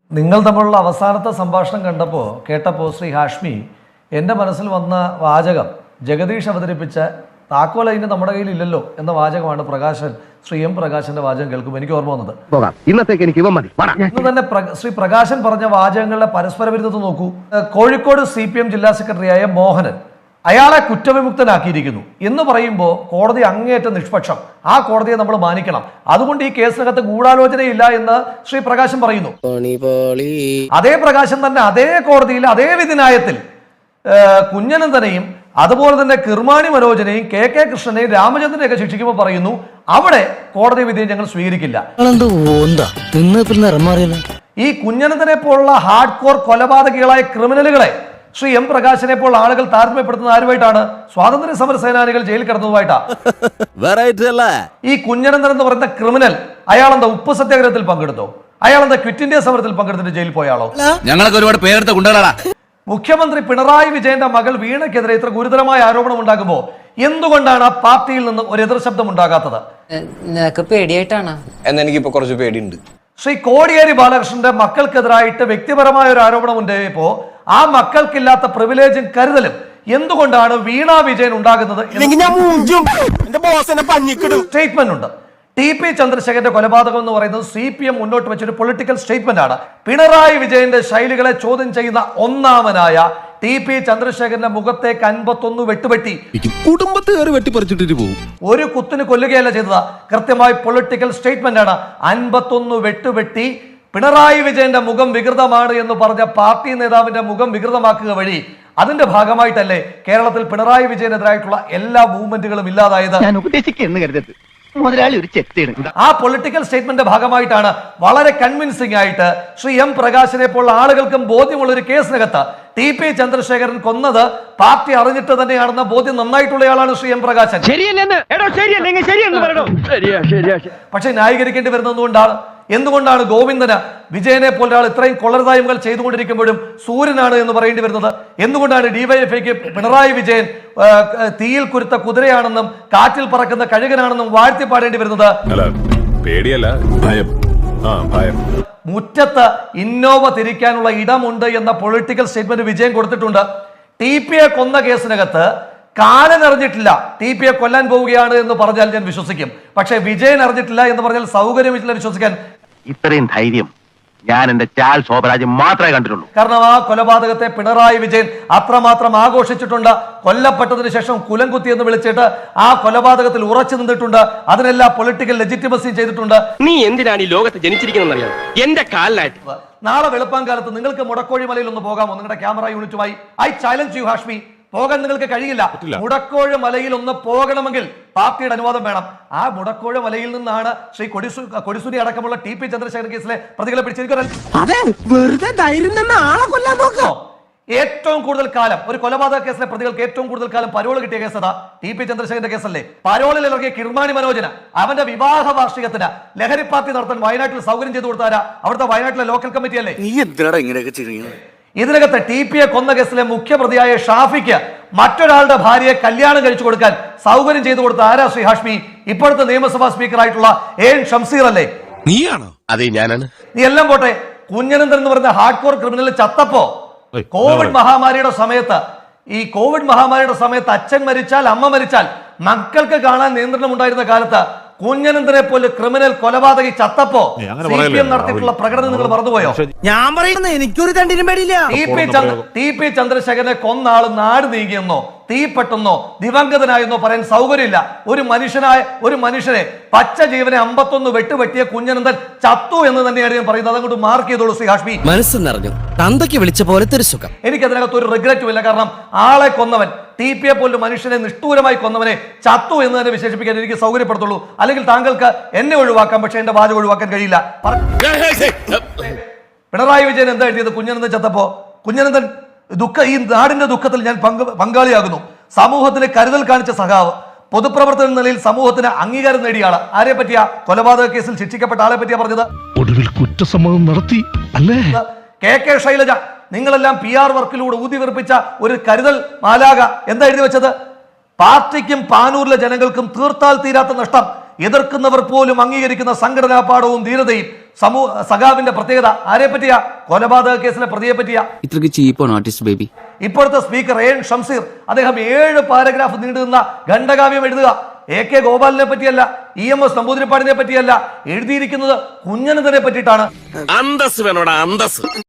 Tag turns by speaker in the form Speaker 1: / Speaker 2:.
Speaker 1: നിങ്ങൾ തമ്മിലുള്ള അവസാനത്തെ സംഭാഷണം കേട്ടപ്പോൾ ശ്രീ ഹാഷ്മി എൻ്റെ മനസ്സിൽ വന്ന വാചകം ജഗദീഷ് അവതരിപ്പിച്ച താക്കോൽ അതിന് നമ്മുടെ കയ്യിൽ ഇല്ലല്ലോ എന്ന വാചകമാണ് ശ്രീ എം പ്രകാശന്റെ വാചകം കേൾക്കുമ്പോൾ എനിക്ക് ഓർമ്മ വന്നത്.
Speaker 2: ഇന്നത്തേക്ക് എനിക്ക്
Speaker 1: ഇന്ന് തന്നെ ശ്രീ പ്രകാശൻ പറഞ്ഞ വാചകങ്ങളുടെ പരസ്പര വിരുദ്ധത നോക്കൂ. കോഴിക്കോട് CPM ജില്ലാ സെക്രട്ടറിയായ മോഹനൻ അയാളെ കുറ്റവിമുക്തനാക്കിയിരിക്കുന്നു എന്ന് പറയുമ്പോൾ കോടതി അങ്ങേയറ്റം നിഷ്പക്ഷം, ആ കോടതിയെ നമ്മൾ മാനിക്കണം, അതുകൊണ്ട് ഈ കേസിനകത്ത് ഗൂഢാലോചനയില്ല എന്ന് ശ്രീ പ്രകാശൻ പറയുന്നു. അതേ പ്രകാശൻ തന്നെ അതേ കോടതിയിൽ അതേ വിധിന്യായത്തിൽ കുഞ്ഞനന്തനെയും അതുപോലെ തന്നെ കിർമാണി മനോജനെയും KK കൃഷ്ണനെയും രാമചന്ദ്രനെയൊക്കെ ശിക്ഷിക്കുമ്പോൾ പറയുന്നു അവിടെ കോടതി വിധിയെ ഞങ്ങൾ സ്വീകരിക്കില്ല. ഈ കുഞ്ഞനന്തനെ പോലുള്ള ഹാർഡ് കോർ കൊലപാതകികളായ ക്രിമിനലുകളെ ശ്രീ എം പ്രകാശനെ പോലുള്ള ആളുകൾ താരതമ്യപ്പെടുത്തുന്ന ആരുമായിട്ടാണ്? സ്വാതന്ത്ര്യ സമര സേനാനികൾ ജയിലിൽ കിടന്നതുമായിട്ടാ. ഈ കുഞ്ഞനന്തൻ എന്ന് പറയുന്ന ക്രിമിനൽ അയാളെന്താ ഉപ്പ് സത്യാഗ്രഹത്തിൽ പങ്കെടുത്തോ? അയാളെന്താ ക്വിറ്റ് ഇന്ത്യ സമരത്തിൽ പങ്കെടുത്തിട്ട് ജയിലിൽ പോയാളോ?
Speaker 3: ഞങ്ങളൊക്കെ ഒരുപാട് പേരെടുത്ത കൊണ്ടുവരാടാ.
Speaker 1: മുഖ്യമന്ത്രി പിണറായി വിജയന്റെ മകൾ വീണയ്ക്കെതിരെ ഇത്ര ഗുരുതരമായ ആരോപണം ഉണ്ടാകുമ്പോൾ എന്തുകൊണ്ടാണ് ആ പാർട്ടിയിൽ നിന്ന് ഒരു എതിർ ശബ്ദം ഉണ്ടാകാത്തത്?
Speaker 4: പേടിയായിട്ടാണ്.
Speaker 5: എന്നെനിക്കിപ്പോ കുറച്ച് പേടിയുണ്ട്.
Speaker 1: ശ്രീ കോടിയേരി ബാലകൃഷ്ണന്റെ മക്കൾക്കെതിരായിട്ട് വ്യക്തിപരമായ ഒരു ആരോപണം ഉണ്ടായപ്പോ ആ മക്കൾക്കില്ലാത്ത പ്രിവിലേജും കരുതലും എന്തുകൊണ്ടാണ് വീണ വിജയൻ ഉണ്ടാകുന്നത്? സ്റ്റേറ്റ്മെന്റ് ഉണ്ട്. TP ചന്ദ്രശേഖരന്റെ കൊലപാതകം എന്ന് പറയുന്നത് CPM മുന്നോട്ട് വെച്ചൊരു പൊളിറ്റിക്കൽ സ്റ്റേറ്റ്മെന്റ് ആണ്. പിണറായി വിജയന്റെ ശൈലികളെ ചോദ്യം ചെയ്യുന്ന ഒന്നാമനായ TP ചന്ദ്രശേഖരന്റെ മുഖത്തേക്ക് 51 വെട്ടുപെട്ടി
Speaker 3: കുടുംബത്തുകാർ വെട്ടിപ്പറിച്ചിട്ട് പോകും.
Speaker 1: ഒരു കുത്തിന് കൊല്ലുകയല്ല ചെയ്തത്, കൃത്യമായി പൊളിറ്റിക്കൽ സ്റ്റേറ്റ്മെന്റ് ആണ്. 51 വെട്ടുപെട്ടി പിണറായി വിജയന്റെ മുഖം വികൃതമാണ് എന്ന് പറഞ്ഞ പാർട്ടി നേതാവിന്റെ മുഖം വികൃതമാക്കുക വഴി അതിന്റെ ഭാഗമായിട്ടല്ലേ കേരളത്തിൽ പിണറായി വിജയനെതിരായിട്ടുള്ള എല്ലാ മൂവ്മെന്റുകളും ഇല്ലാതായത്?
Speaker 2: ഞാൻ ഉപദേശിക്കുന്നു കരുതരുത്, മുതലാളി ഒരു ചെത്തിയാണ്.
Speaker 1: ആ പൊളിറ്റിക്കൽ സ്റ്റേറ്റ്മെന്റ് ഭാഗമായിട്ടാണ് വളരെ കൺവിൻസിംഗ് ആയിട്ട് ശ്രീ എം പ്രകാശനെ പോലുള്ള ആളുകൾക്കും ബോധ്യമുള്ള ഒരു കേസിനകത്ത് TP ചന്ദ്രശേഖരൻ കൊന്നത് പാർട്ടി അറിഞ്ഞിട്ട് തന്നെയാണെന്ന ബോധ്യം നന്നായിട്ടുള്ളയാളാണ് ശ്രീ എം പ്രകാശൻ. പക്ഷെ ന്യായീകരിക്കേണ്ടി വരുന്നത് എന്തുകൊണ്ടാണ് ഗോവിന്ദന് വിജയനെ പോലെ ഒരാൾ ഇത്രയും കൊള്ളരുതായ്മകൾ ചെയ്തുകൊണ്ടിരിക്കുമ്പോഴും സൂര്യനാണ് എന്ന് പറയേണ്ടി വരുന്നത്? എന്തുകൊണ്ടാണ് DYFIക്ക് പിണറായി വിജയൻ തീയിൽ കുരുത്ത കുതിരയാണെന്നും കാറ്റിൽ പറക്കുന്ന കഴുകനാണെന്നും വാഴ്ത്തി പാടേണ്ടി വരുന്നത്? മുറ്റത്ത് ഇന്നോവ തിരിക്കാനുള്ള ഇടമുണ്ട് എന്ന പൊളിറ്റിക്കൽ സ്റ്റേറ്റ്മെന്റ് വിജയൻ കൊടുത്തിട്ടുണ്ട്. TPയെ കൊന്ന കേസിനകത്ത് കാലൻ അറിഞ്ഞിട്ടില്ല TPയെ കൊല്ലാൻ പോവുകയാണ് എന്ന് പറഞ്ഞാൽ ഞാൻ വിശ്വസിക്കും. പക്ഷെ വിജയൻ അറിഞ്ഞിട്ടില്ല എന്ന് പറഞ്ഞാൽ സൗകര്യമില്ല വിശ്വസിക്കാൻ.
Speaker 2: ഇത്രയും ധൈര്യം ഞാൻ എന്റെ ചാൽ ശോഭരാജ് മാത്രമേ കണ്ടിട്ടുള്ളൂ.
Speaker 1: കാരണം ആ കൊലപാതകത്തെ പിണറായി വിജയൻ അത്രമാത്രം ആഘോഷിച്ചിട്ടുണ്ട്. കൊല്ലപ്പെട്ടതിന് ശേഷം കുലംകുത്തി എന്ന് വിളിച്ചിട്ട് ആ കൊലപാതകത്തിൽ ഉറച്ചു നിന്നിട്ടുണ്ട്. അതിനെല്ലാം പൊളിറ്റിക്കൽ ലെജിറ്റിമസി ചെയ്തിട്ടുണ്ട്.
Speaker 6: നീ എന്തിനാണ് ഈ ലോകത്ത് ജനിച്ചിരിക്കുന്നറിയാം? എന്റെ കാലിലായിട്ട്
Speaker 1: നാളെ വെളുപ്പാൻകാലത്ത് നിങ്ങൾക്ക് മുടക്കോഴി മലയിൽ ഒന്ന് പോകാമോ? നിങ്ങളുടെ ക്യാമറ യൂണിറ്റുമായി ഐ ചാലഞ്ച് യു ഹാഷ്മി. പോകാൻ നിങ്ങൾക്ക് കഴിയില്ല. മുടക്കോഴ മലയിൽ ഒന്ന് പോകണമെങ്കിൽ പാർട്ടിയുടെ അനുവാദം വേണം. ആ മുടക്കോഴ മലയിൽ നിന്നാണ് ശ്രീ കൊടിസുനി അടക്കമുള്ള TP ചന്ദ്രശേഖരൻ കേസിലെ പ്രതികളെ പിടിച്ചിരിക്കുന്നത്. ഏറ്റവും കൂടുതൽ കാലം ഒരു കൊലപാതക കേസിലെ പ്രതികൾക്ക് ഏറ്റവും കൂടുതൽ കാലം പരോൾ കിട്ടിയ കേസ് അതാ TP ചന്ദ്രശേഖരന്റെ കേസല്ലേ. പരോളിൽ ഇറങ്ങിയ കിർമാണി മനോജന് അവന്റെ വിവാഹ വാർഷികത്തിന് ലഹരി പാർട്ടി നടത്താൻ വയനാട്ടിൽ സൗകര്യം ചെയ്തു കൊടുത്താരാ? അവിടുത്തെ വയനാട്ടിലെ ലോക്കൽ കമ്മിറ്റി അല്ലേ. ഇതിനകത്ത് TPയെ കൊന്ന കേസിലെ മുഖ്യപ്രതിയായ ഷാഫിക്ക് മറ്റൊരാളുടെ ഭാര്യയെ കല്യാണം കഴിച്ചു കൊടുക്കാൻ സൗകര്യം ചെയ്തു കൊടുത്ത ആരാ ശ്രീ ഹാഷ്മി? ഇപ്പോഴത്തെ നിയമസഭാ സ്പീക്കർ ആയിട്ടുള്ള AN ഷംസീർ അല്ലേ?
Speaker 3: നീയാണോ? അതെ, ഞാനാണ്.
Speaker 1: നീ എല്ലാം പോട്ടെ, കുഞ്ഞനന്തൻ എന്ന് പറയുന്ന ഹാർഡ് കോർ ക്രിമിനൽ ചത്തപ്പോ കോവിഡ് മഹാമാരിയുടെ സമയത്ത് അച്ഛൻ മരിച്ചാൽ അമ്മ മരിച്ചാൽ മക്കൾക്ക് കാണാൻ നിയന്ത്രണം ഉണ്ടായിരുന്ന കാലത്ത് കുഞ്ഞനന്തനെ പോലെ ക്രിമിനൽ കൊലപാതകി ചത്തപ്പോ CPM നടത്തിയിട്ടുള്ള പ്രകടനം നിങ്ങൾ മറന്നുപോയോ?
Speaker 4: ഞാൻ പറയുന്നത് എനിക്കൊരു തണ്ടിനും പേടിയില്ല.
Speaker 1: TP ചന്ദ്രശേഖരനെ കൊന്ന ആള് നാട് നീങ്ങിയെന്നോ തീപ്പെട്ടെന്നോ ദിവംഗതനായെന്നോ പറയാൻ സൗകര്യമില്ല. ഒരു മനുഷ്യനെ പച്ച ജീവനെ 51 വെട്ടുപറ്റിയ കുഞ്ഞനന്തൻ ചത്തു എന്ന് തന്നെയാണ് ഞാൻ പറയുന്നത്. അതങ്ങോട്ട് മാർക്ക് ചെയ്തോളൂ ശ്രീ ഹാഷ്മി.
Speaker 4: മനസ്സ് നിറഞ്ഞു, തന്തയ്ക്ക് വിളിച്ച പോലത്തെ ഒരു സുഖം.
Speaker 1: എനിക്കതിനകത്ത് ഒരു റിഗ്രറ്റും ഇല്ല. കാരണം ആളെ കൊന്നവൻ TPയെ പോലും മനുഷ്യനെ നിഷ്ഠൂരമായി കൊന്നവനെ ചത്തു എന്ന് തന്നെ വിശേഷിപ്പിക്കാൻ എനിക്ക് സൗകര്യപ്പെടുത്തുള്ളൂ. അല്ലെങ്കിൽ താങ്കൾക്ക് എന്നെ ഒഴിവാക്കാം, പക്ഷെ എന്റെ വാചകം ഒഴിവാക്കാൻ കഴിയില്ല. പിണറായി വിജയൻ എന്താ എഴുതിയത് കുഞ്ഞനന്തൻ ചത്തപ്പോ? കുഞ്ഞനന്തൻ ഈ നാടിന്റെ ദുഃഖത്തിൽ ഞാൻ പങ്കാളിയാകുന്നു. സമൂഹത്തിന് കരുതൽ കാണിച്ച സഖാവ്, പൊതുപ്രവർത്തന നിലയിൽ സമൂഹത്തിന് അംഗീകാരം നേടിയ ആള്. ആരെ പറ്റിയാ? കൊലപാതക കേസിൽ ശിക്ഷിക്കപ്പെട്ട ആളെ പറ്റിയാ പറഞ്ഞത്.
Speaker 7: ഒടുവിൽ കുറ്റസമ്മതം നടത്തി അല്ലേ?
Speaker 1: KK ശൈലജ, നിങ്ങളെല്ലാം PR വർക്കിലൂടെ ഊതി വിറപ്പിച്ച ഒരു കരുതൽ മാലാക എന്താ എഴുതി വെച്ചത്? പാർട്ടിക്കും പാനൂരിലെ ജനങ്ങൾക്കും തീർത്താൽ തീരാത്ത നഷ്ടം, എതിർക്കുന്നവർ പോലും അംഗീകരിക്കുന്ന സംഘടനാ പാഠവും ധീരതയും സഖാവിന്റെ പ്രത്യേകത ആരെ പറ്റിയാ? കൊലപാതക കേസിലെ പ്രതിയെ പറ്റിയാ.
Speaker 8: ഇത്രക്ക് ചീപ്പാണ് ആർട്ടിസ്റ്റ് ബേബി.
Speaker 1: ഇപ്പോഴത്തെ സ്പീക്കർ എൻ ഷംസീർ അദ്ദേഹം 7 പാരഗ്രാഫ് നീണ്ടുനിന്ന ഖണ്ഡകാവ്യം എഴുതുക. AK ഗോപാലിനെ പറ്റിയല്ല, EMS നമ്പൂതിരിപ്പാടിനെ പറ്റിയല്ല, എഴുതിയിരിക്കുന്നത് കുഞ്ഞനന്തനെ പറ്റിയിട്ടാണ്.
Speaker 3: അന്തസ് വേണോടാ അന്തസ്.